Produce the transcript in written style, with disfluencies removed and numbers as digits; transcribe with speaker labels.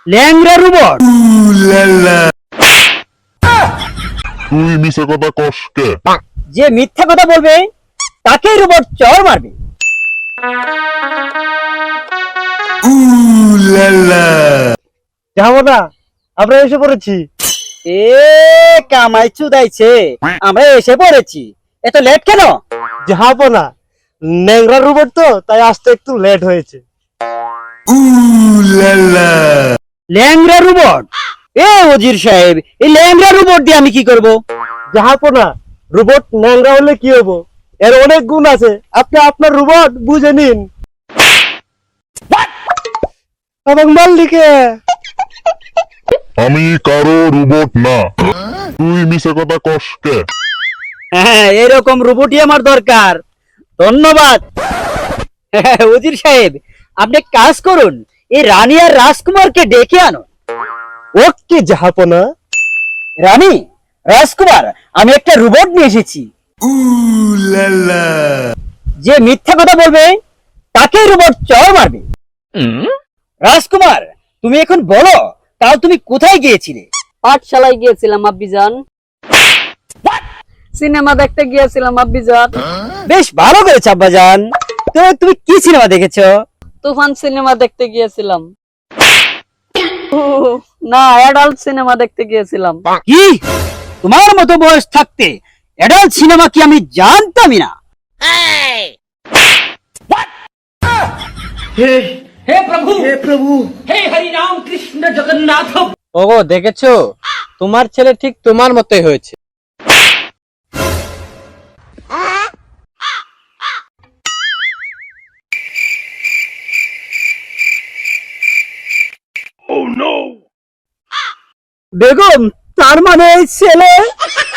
Speaker 1: ল্যাংড়া robot.
Speaker 2: তুই মিছে কথা কস কে?
Speaker 1: যে মিথ্যা কথা বলবে তাকেই রোবট চড় মারবে।
Speaker 3: যাবো না, আমরা এসে পড়েছি।
Speaker 1: এ কামাই চুদাইছে, আমরা এসে পড়েছি। এত লেট কেন?
Speaker 3: যাবো না, ন্যাংরা রোবট তো তাই আসতে একটু লেট হয়েছে।
Speaker 1: ল্যাংড়া রোবট? এ ওজির সাহেব, এই ল্যাংড়া রোবট দিয়ে আমি কি করব?
Speaker 3: যাবো না, রোবট ন্যাংরা হলে কি হবো, এর অনেক গুণ আছে, আপনি আপনার রোবট বুঝে নিন। এবং মাল্লিকে
Speaker 2: আমি কারো রোবট না। তুই মিছে কথা কস কে?
Speaker 1: হ্যাঁ, এরকম রোবটই আমার দরকার। ধন্যবাদ। ওজির সাহেব, আপনি এক কাজ করুন, এই রানী আর রাজকুমারকে ডেকে আনুন।
Speaker 3: ওকে যাবো না।
Speaker 1: রানী, রাজকুমার, আমি একটা রোবট নিয়ে এসেছি। যে মিথ্যা কথা বলবে তাকেই রোবট চড় মারবে। রাজকুমার, তুমি এখন বলো, তাও তুমি কোথায় গিয়েছিলে?
Speaker 4: পাঠশালায় গিয়েছিলাম আব্বিজান। সিনেমা দেখতে গিয়েছিলাম আব্বিজান।
Speaker 1: বেশ ভালো করেছ আব্বাজান। তো তুমি কি সিনেমা দেখেছো?
Speaker 4: তুফান সিনেমা দেখতে গিয়েছিলাম। না, অ্যাডাল্ট সিনেমা দেখতে গিয়েছিলাম।
Speaker 1: কি, তোমার মতো বয়স থাকতে অ্যাডাল্ট সিনেমা কি আমি জানতামই না।
Speaker 5: ওগো, দেখেছো, তোমার ছেলে ঠিক তোমার মতোই হয়েছে।
Speaker 1: বেগম, তার মানে এই ছেলে